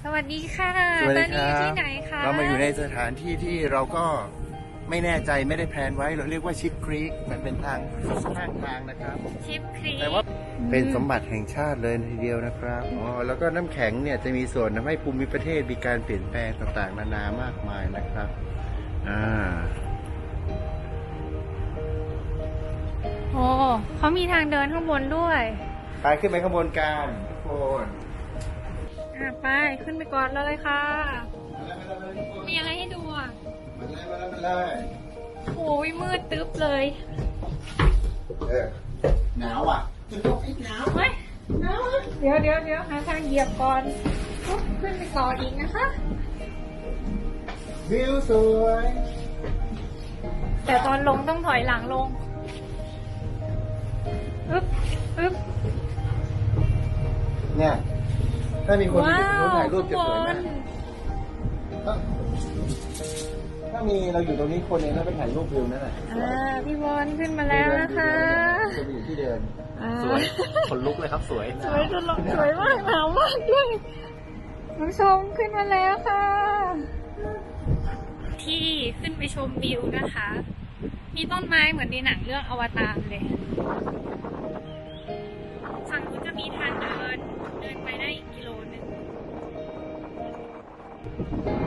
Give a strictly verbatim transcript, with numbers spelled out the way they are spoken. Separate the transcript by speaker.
Speaker 1: สวัสดีค่ะ
Speaker 2: สวัส
Speaker 1: ต
Speaker 2: ดี
Speaker 1: อน
Speaker 2: ค
Speaker 1: นี้
Speaker 2: รั
Speaker 1: อยู่
Speaker 2: บ
Speaker 1: ที่ไหนคะ
Speaker 2: เรามาอยู่ในสถานที่ที่เราก็ไม่แน่ใจไม่ได้แพลนไว้เราเรียกว่าชิปครีกมันเป็นทางข้างทางนะครับ
Speaker 1: ชิปครี
Speaker 2: แต่ว่าเป็นสมบัติแห่งชาติเลยทีเดียวนะครับอ๋อแล้วก็น้ำแข็งเนี่ยจะมีส่วนทำให้ภูมิประเทศมีการเปลี่ยนแปลงต่างๆนานามากมายนะครับอ่า
Speaker 1: โอ้เขามีทางเดินข้างบนด้วย
Speaker 2: ไปขึ้นไปข้างบนกันทุกคน
Speaker 1: อ่ะไปขึ้นไปก่อนเลยค่ะ มีอะไรให้ดูอ่ะ
Speaker 2: มาเลยมาเลยมาเลย
Speaker 1: โอ้ยมืดตึ๊บเลย
Speaker 2: เออหนาวอ่ะหนาว
Speaker 1: เฮ้ยเดี๋ยวเดี๋ยวเดี๋ยวหาทางเหยียบก่อนปุ๊บขึ้นไปต่ออีกนะคะ
Speaker 2: วิวสวย
Speaker 1: แต่ตอนลงต้องถอยหลังลงอึ๊บอึ๊บ
Speaker 2: เนี่ยถ้ามีคนที่
Speaker 1: ว้า
Speaker 2: จะ
Speaker 1: ว
Speaker 2: ถ่ายรูปจะสวย
Speaker 1: ข้าง
Speaker 2: มาก
Speaker 1: บน
Speaker 2: ถ้าถ้ามีเราอยู่ตรงนี้คนเองแล้วไปถ่ายรูปวิวนั่นแหละ
Speaker 1: อ่าพี่บอลขึ้นมาแล้วนะคะ
Speaker 2: จะอยู่ที่เดิน
Speaker 1: อ่า
Speaker 2: สวยคนลุกเลยครับสวย
Speaker 1: สวยจนลงสวยมากหนาวมากด้วยน้องชมขึ้นมาแล้วค่ะ ที่ขึ้นไปชมวิวนะคะ มีต้นไม้เหมือนในหนังเรื่องอวตารเลย ฝั่งนู้นจะมีทางเดิน เดินไปได้อีกกิโลหนึ่ง